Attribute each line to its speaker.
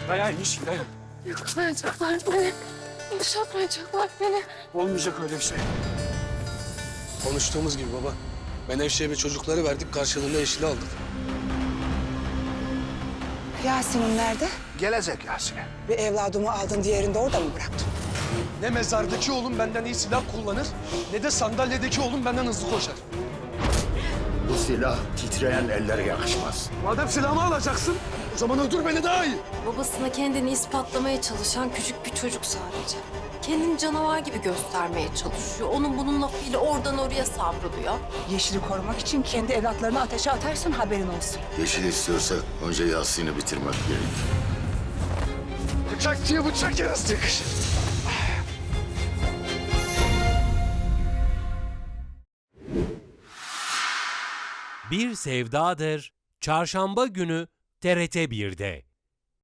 Speaker 1: Dayan Yeşil, dayan.
Speaker 2: Yakalayacaklar beni. Boşaltmayacaklar beni.
Speaker 1: Olmayacak öyle bir şey.
Speaker 3: Konuştuğumuz gibi baba. Menevşe'ye ve çocukları verdik, karşılığında Yeşil'i aldık.
Speaker 4: Yasin'im nerede?
Speaker 5: Gelecek Yasin'e.
Speaker 4: Bir evladımı aldın, diğerini de orada mı bıraktın?
Speaker 3: Ne mezardaki oğlum benden iyi silah kullanır, ne de sandalyedeki oğlum benden hızlı koşar.
Speaker 5: Bu silah titreyen ellere yakışmaz.
Speaker 3: Madem silahımı alacaksın, o zaman öldür beni daha iyi.
Speaker 2: Babasına kendini ispatlamaya çalışan küçük bir çocuk sadece. Kendini canavar gibi göstermeye çalışıyor. Onun bunun lafıyla oradan oraya savruluyor.
Speaker 4: Yeşil'i korumak için kendi evlatlarını ateşe atarsın, haberin olsun.
Speaker 6: Yeşil istiyorsa önce Yasin'i bitirmek gerek.
Speaker 3: Bıçak diye bıçak yarası yakışır.
Speaker 7: Bir Sevdadır Çarşamba günü TRT 1'de.